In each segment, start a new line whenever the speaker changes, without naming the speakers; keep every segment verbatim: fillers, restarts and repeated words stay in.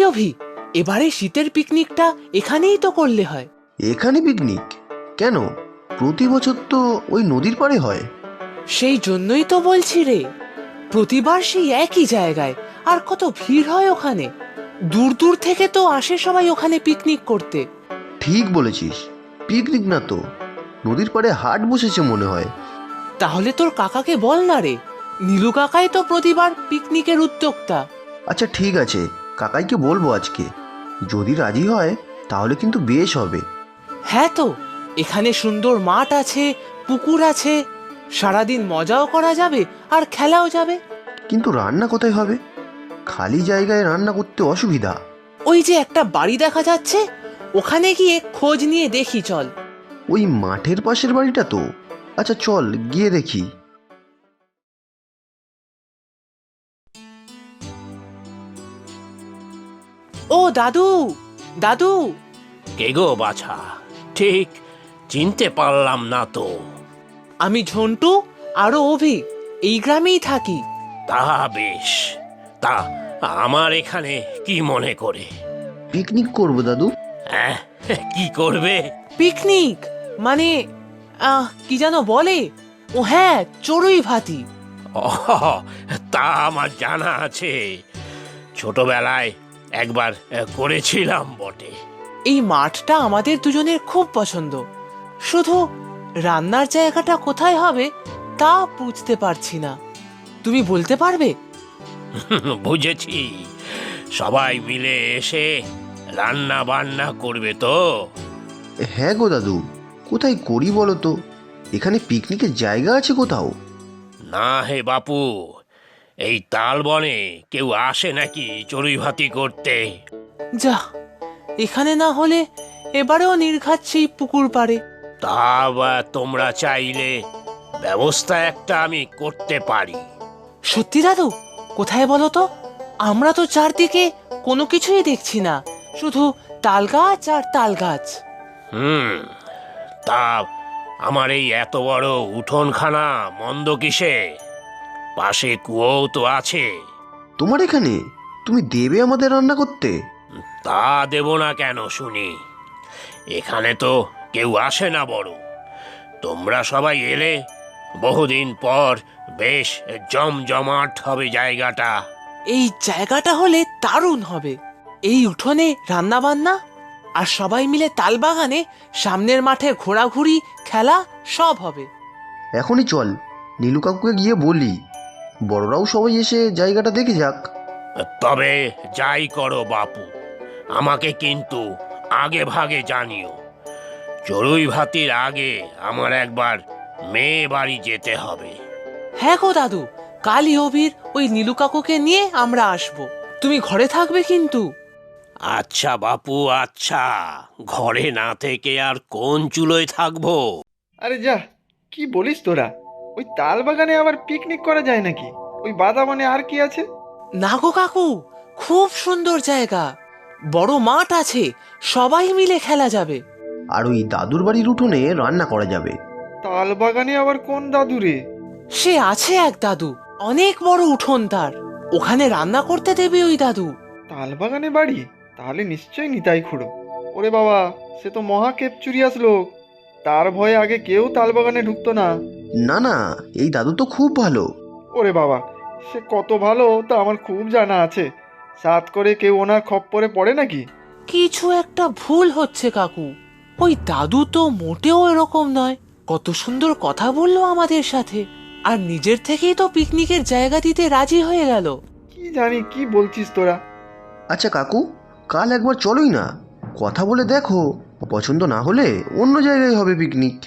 অভি, এবারে শীতের পিকনিকটা এখানেই তো করলে হয়।
এখানে পিকনিক কেন? প্রতি বছর তো ওই নদীর পাড়ে হয়।
সেই জন্যই তো বলছি রে, প্রতিবার সেই একই জায়গায়, আর কত ভিড় হয় ওখানে। দূর দূর থেকে তো আসে সবাই ওখানে পিকনিক করতে।
ঠিক বলেছিস, পিকনিক না তো, নদীর পাড়ে হাট বসেছে মনে হয়।
তাহলে তোর কাকাকে বল না রে, নীলু কাকাই তো প্রতিবার পিকনিকের উদ্যোক্তা।
আচ্ছা ঠিক আছে, কাকাইকে বলবো আজকে। যদি রাজি হয় তাহলে কিন্তু বেশ হবে।
হ্যাঁ তো, এখানে সুন্দর মাঠ আছে, পুকুর আছে, সারাদিন মজাও করা যাবে আর খেলাও যাবে।
কিন্তু রান্না কোথায় হবে? খালি জায়গায় রান্না করতে অসুবিধা।
ওই যে একটা বাড়ি দেখা যাচ্ছে, ওখানে গিয়ে খোঁজ নিয়ে দেখি চল।
ওই মাঠের পাশের বাড়িটা তো। আচ্ছা চল গিয়ে দেখি।
ও দাদু, দাদু।
কে গো বাছা? ঠিক চিনতে পারলাম না তো।
আমি ঝন্টু, আরো অভি, এই গ্রামেই থাকি।
তা বেশ, তা আমার এখানে কি মনে করে?
পিকনিক করবো দাদু।
হ্যাঁ, কি করবে?
পিকনিক মানে আহ কি যেন বলে, ও হ্যাঁ, চড়ুই ভাতি।
ও, তা আমার জানা আছে, ছোটবেলায় একবার করেছিলাম বটে।
এই মাঠটা আমাদের দুজনের খুব পছন্দ, শুধু রান্নার জায়গাটা কোথায় হবে তা বুঝতে পারছি না। তুমি বলতে পারবে?
বুঝেছি, সবাই মিলে এসে রান্না বান্না করবে তো?
হ্যাঁ গো দাদু, কোথায় করি বলো তো? এখানে পিকনিকের জায়গা আছে কোথাও?
না হে বাপু, এই তাল বনে কেউ আসে নাকি চড়ুই ভাতি করতে?
যা, এখানে না হলে এবারেও নির্ঘাত সেই পুকুর পাড়ে।
তা বা তোমরা চাইলে ব্যবস্থা একটা আমি করতে পারি।
সত্যি দাদু? কোথায় বলো তো? আমরা তো চারদিকে কোনো কিছুই দেখছি না, শুধু তাল গাছ আর তাল গাছ।
হুম, তা আমার এই এত বড় উঠোনখানা মন্দ কিসে? পাশে কুয়োও তো আছে।
তোমার এখানে? তুমি দেবে আমাদের রান্না করতে?
তা দেব না কেন শুনি? এখানে তো কেউ আসে না বড়, তোমরা সবাই এলে বহুদিন পর বেশ জমজমাট হবে জায়গাটা।
এই জায়গাটা হলে দারুণ হবে। এই উঠোনে রান্না বান্না, আর সবাই মিলে তাল বাগানে সামনের মাঠে ঘোরাঘুরি, খেলা সব হবে।
এখনই চল, নীলু কাকুকে গিয়ে বলি, বড়রাও সবাই এসে জায়গাটা দেখে যাক।
তবে যাই করো বাপু, আমাকে কিন্তু আগে ভাগে জানিও। চড়ুই ভাতির আগে আমার একবার মেয়ে বাড়ি যেতে হবে।
হ্যাঁ গো দাদু, কালই অভির ওই নীলু কাকুকে নিয়ে আমরা আসব। তুমি ঘরে থাকবে কিন্তু।
আচ্ছা বাপু, আচ্ছা, ঘরে না থেকে আর কোন চুলোয় থাকবো?
আরে যা, কি বলিস তোরা? ওই তাল বাগানে আবার পিকনিক করা যায় নাকি? ওই বাদামানে আর কি আছে?
না গো কাকু, খুব সুন্দর জায়গা, বড় মাঠ আছে, সবাই মিলে খেলা যাবে।
আর ওই দাদুর বাড়ির উঠোনে রান্না করা যাবে।
তাল বাগানে আবার কোন দাদু রে?
সে আছে এক দাদু, অনেক বড় উঠোন তার, ওখানে রান্না করতে দেবে ওই দাদু।
তাল বাগানে বাড়ি? তাহলে নিশ্চয়ই নিতাই খুড়ো। ওরে বাবা, সে তো মহা কেপচুরিয়াস লোক, তার ভয়ে আগে কেউ তাল বাগানে ঢুকতো না।
না না, এই দাদু তো খুব ভালো।
ওরে বাবা, সে কত ভালো তা আমার খুব জানা আছে। সাত করে কেউ ওনার খপ্পরে পড়ে নাকি?
কিছু একটা ভুল হচ্ছে কাকু, ওই দাদু তো মোটেও এরকম নয়। কত সুন্দর কথা বললো আমাদের সাথে, আর নিজের থেকেই তো পিকনিকের জায়গা দিতে রাজি হয়ে গেল।
কি জানি কি বলছিস তোরা।
আচ্ছা কাকু, কাল একবার চলোই না, কথা বলে দেখো, পছন্দ না হলে অন্য জায়গায় হবে পিকনিক।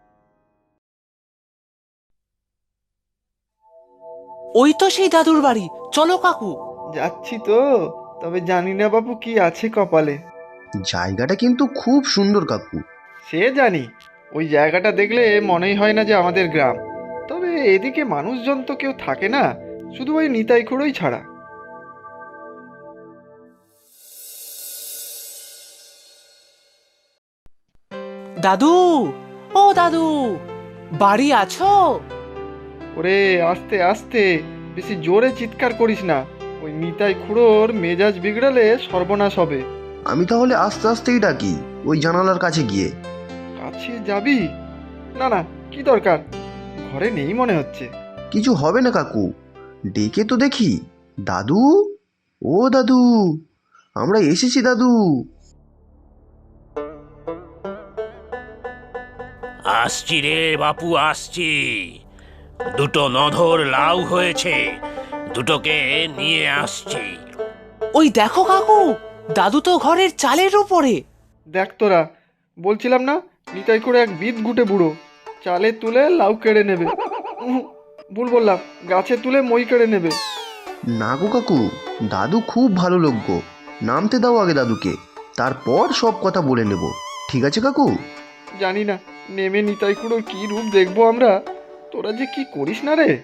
ওই তো সেই দাদুর বাড়ি, চলো কাকু।
যাচ্ছি তো, তবে জানি না বাবু কি আছে কপালে।
জায়গাটা কিন্তু খুব সুন্দর কাকু।
সে জানি, ওই জায়গাটা দেখলে মনেই হয় না যে আমাদের গ্রাম। তবে এদিকে মানুষজন তো কেউ থাকে না, শুধু ওই নিতাই খুঁড়োই ছাড়া।
দাদু, ও দাদু, বাড়ি আছো?
ওরে আস্তে আস্তে, বেশি জোরে চিৎকার করিস না, ওই নিতাই খুড়োর মেজাজ বিগড়ালে সর্বনাশ হবে।
আমি তাহলে আস্তে আস্তেই ডাকি ওই জানালার কাছে গিয়ে।
কাছে যাবি? না না, কি দরকার, ঘরে নেই মনে হচ্ছে।
কিছু হবে না কাকু, ডেকে তো দেখি। দাদু, ও দাদু, আমরা এসেছি দাদু।
আসছি রে বাপু, আসছি। দুটো নধর লাউ হয়েছে, দুটোকে নিয়ে আসছি।
ওই দেখো কাকু, দাদু তো ঘরের চালের উপরে।
দেখ তোরা, বলছিলাম না নিতাই খুড়ো এক বিদ গুটে বুড়ো, চালে তুলে লাউ কেড়ে নেবে। উহুঁ, ভুল বললাম, গাছে তুলে মই কেড়ে নেবে।
না গো কাকু, দাদু খুব ভালো লোক গো। নামতে দাও আগে দাদুকে, তারপর সব কথা বলে নেব। ঠিক আছে কাকু?
জানি না নেমে নিতাই খুড়োর কি রূপ দেখবো আমরা। তোরা যে কি করিস না রে।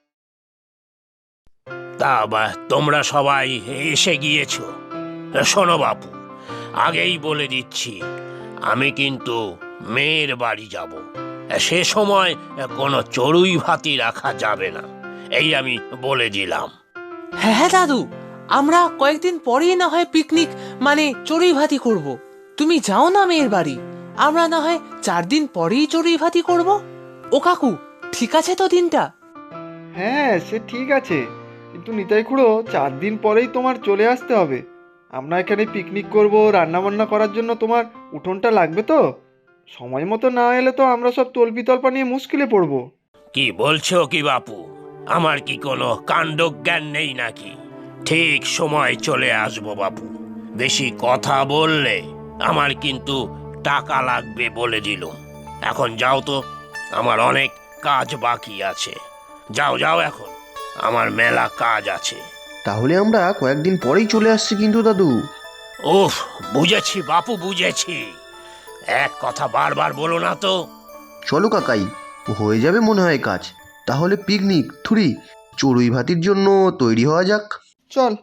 তা বা তোমরা সবাই এসে গিয়েছ। শোনো বাপু, আগেই বলে দিচ্ছি, আমি কিন্তু মেয়ের বাড়ি যাব। সে সময় কোনো চড়ুই ভাতি রাখা যাবে না, এই আমি বলে দিলাম।
হ্যাঁ হ্যাঁ দাদু, আমরা কয়েকদিন পরেই না হয় পিকনিক মানে চড়ুই ভাতি করব। তুমি যাও না মেয়ের বাড়ি, আমরা না হয় চার দিন পরেই চড়ুই ভাতি করব। ও কাকু, ঠিক আছে তো দিনটা?
হ্যাঁ সে ঠিক আছে, কিন্তু নিতাই খুড়ো চার দিন পরেই তোমার চলে আসতে হবে। আমরা এখানে পিকনিক করব, রান্না বান্না করার জন্য তোমার উঠোনটা লাগবে তো। সময় মতো না এলে তো আমরা সব তল্পিতল্পা নিয়ে মুশকিলে পড়বো।
কি বলছো কি বাপু? আমার কি কোনো কাণ্ডজ্ঞান নেই নাকি? ঠিক সময় চলে আসবো বাপু। বেশি কথা বললে আমার কিন্তু টাকা লাগবে বলে দিলুম। এখন যাও তো, আমার অনেক কাজ বাকি আছে। যাও যাও, এখন আমার মেলা কাজ আছে।
তাহলে আমরা কয়েকদিন পরেই চলে আসছি কিন্তু দাদু।
উফ, বুঝেছি বাপু, বুঝেছি। এক কথা বারবার বলো না তো।
চলো কাকাই, হয়ে যাবে মনে হয় কাজ। তাহলে পিকনিক থুরি চড়ুই ভাতির জন্য তৈরি হওয়া যাক।
চল।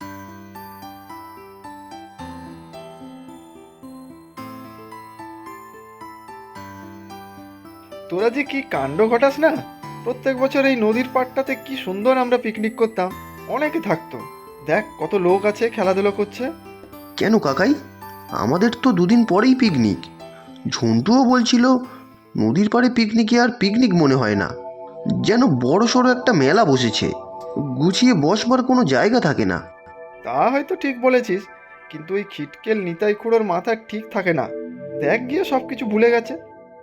তোরা যে কি কাণ্ড ঘটাস না। প্রত্যেক বছর এই নদীর পাড়টাতে কি সুন্দর আমরা পিকনিক করতাম, অনেকে থাকতো। দেখ কত লোক আছে, খেলাধুলো করছে।
কেন কাকাই, আমাদের তো দুদিন পরেই পিকনিক। ঝন্টুও বলছিল নদীর পাড়ে পিকনিকে আর পিকনিক মনে হয় না, যেন বড় সড়ো একটা মেলা বসেছে, গুছিয়ে বসবার কোনো জায়গা থাকে না।
তা হয়তো ঠিক বলেছিস, কিন্তু ওই খিটকেল নিতাই খুড়োর মাথা ঠিক থাকে না। দেখ গিয়ে সব কিছু ভুলে গেছে।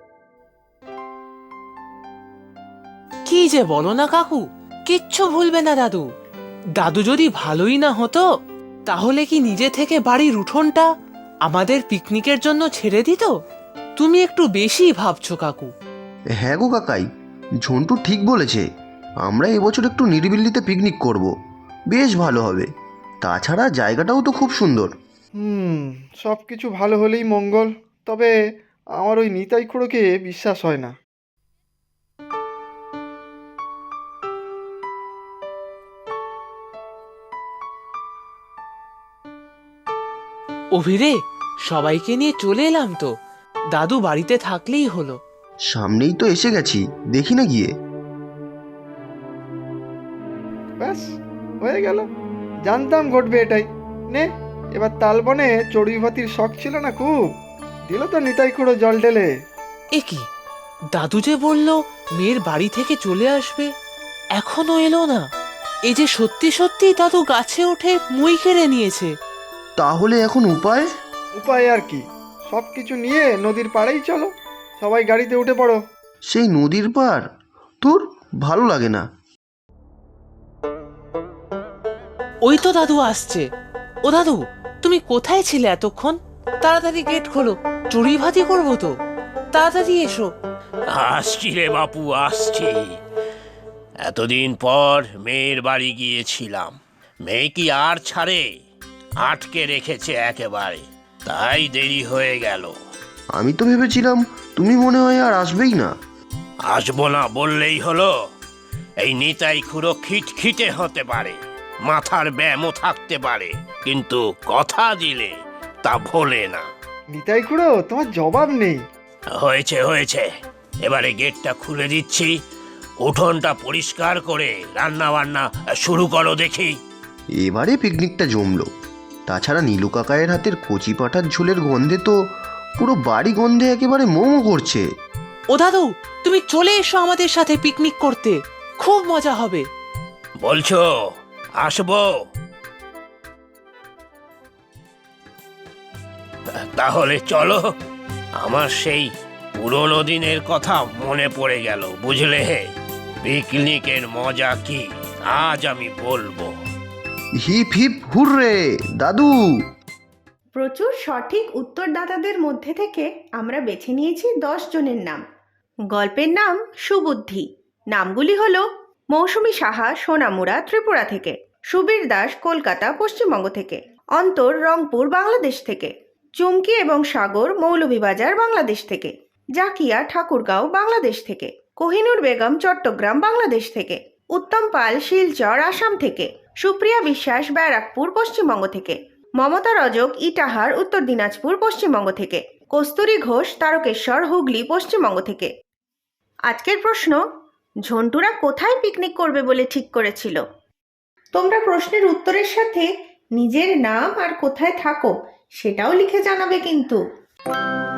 কি যে বলো না কাকু, কিচ্ছু ভুলবে না দাদু। দাদু যদি ভালোই না হতো, তাহলে কি নিজে থেকে বাড়ির উঠোনটা আমাদের পিকনিকের জন্য ছেড়ে দিত? তুমি একটু বেশি ভাবছো কাকু।
হ্যাঁ গো কাকাই, ঝন্টু ঠিক বলেছে। আমরা এবছর একটু নিরিবিলিতে পিকনিক করব, বেশ ভালো হবে। তাছাড়া জায়গাটাও তো খুব সুন্দর।
হুম, সব কিছু ভালো হলেই মঙ্গল। তবে আমার ওই নিতাই খুড়োকে বিশ্বাস হয় না।
অভিরে, সবাইকে নিয়ে চলে এলাম তো, দাদু বাড়িতে থাকলেই হলো।
সামনেই তো এসে গেছি, দেখি না গিয়ে।
ব্যাস, হয়ে গেল। জানতাম ঘটবে এটাই। নে, এবার তালবনে চড়ুই ভাতির শখ ছিল না খুব, দিল তো নিতাই খুড়ো জল ঢেলে।
এ কি, দাদু যে বলল মেয়ের বাড়ি থেকে চলে আসবে, এখনো এলো না। এই যে সত্যি সত্যি দাদু গাছে উঠে মই কেড়ে নিয়েছে।
তাহলে এখন উপায়?
উপায় আর কি, সব কিছু নিয়ে নদীর পাড়েই চলো। সবাই গাড়িতে উঠে পড়ো।
সেই নদীর পার তোর ভালো লাগে না।
ওই তো দাদু আসছে। ও দাদু, তুমি কোথায় ছিলে এতক্ষণ? তাড়াতাড়ি গেট খোলো, চড়ুই ভাতি করবো তো, তাড়াতাড়ি এসো।
আসছি রে বাপু, আসছি। এতদিন পর মেয়ের বাড়ি গিয়েছিলাম, মেয়ে কি আর ছাড়ে? আটকে রেখেছে একেবারে, তাই দেরি হয়ে গেল।
আমি তো ভেবেছিলাম তুমি মনে হয় আর আসবেই না।
আসবো না বললেই হলো? এই নিতাই খুড়ো খিটখিটে হতে পারে, মাথার ব্যায়ামও থাকতে পারে, কিন্তু কথা দিলে তা ভোলে না।
নিতাই খুড়ো, তোমার জবাব নেই।
হয়েছে হয়েছে, এবারে গেটটা খুলে দিচ্ছি। উঠোনটা পরিষ্কার করে রান্না বান্না শুরু করো দেখি।
এবারে পিকনিকটা জমলো। তাছাড়া নীলু কাকায়ের হাতের কচি পাঁঠার ঝোলের গন্ধে তো পুরো বাড়ি গন্ধে একেবারে মোমো করছে।
ও দাদু, তুমি চলে এসো আমাদের সাথে পিকনিক করতে, খুব মজা হবে।
বলছো আসবো? তাহলে চলো। আমার সেই পুরোনো দিনের কথা মনে পড়ে গেল, বুঝলে? পিকনিকের মজা কি আজ আমি বলবো।
হিপ হিপ হুররে দাদু।
প্রচুর সঠিক উত্তরদাতাদের মধ্যে থেকে আমরা বেছে নিয়েছি দশ জনের নাম। গল্পের নাম সুবুদ্ধি। নামগুলি হল মৌসুমী সাহা সোনামুড়া ত্রিপুরা থেকে, সুবীর দাস কলকাতা পশ্চিমবঙ্গ থেকে, অন্তর রংপুর বাংলাদেশ থেকে, চুমকি এবং সাগর মৌলভীবাজার বাংলাদেশ থেকে, জাকিয়া ঠাকুরগাঁও বাংলাদেশ থেকে, কোহিনুর বেগম চট্টগ্রাম বাংলাদেশ থেকে, উত্তম পাল শিলচর আসাম থেকে, সুপ্রিয়া বিশ্বাস ব্যারাকপুর পশ্চিমবঙ্গ থেকে, মমতা রজক ইটাহার উত্তর দিনাজপুর পশ্চিমবঙ্গ থেকে, কস্তুরী ঘোষ তারকেশ্বর হুগলি পশ্চিমবঙ্গ থেকে। আজকের প্রশ্ন, ঝন্টুরা কোথায় পিকনিক করবে বলে ঠিক করেছিল? তোমরা প্রশ্নের উত্তরের সাথে নিজের নাম আর কোথায় থাকো সেটাও লিখে জানাবে কিন্তু।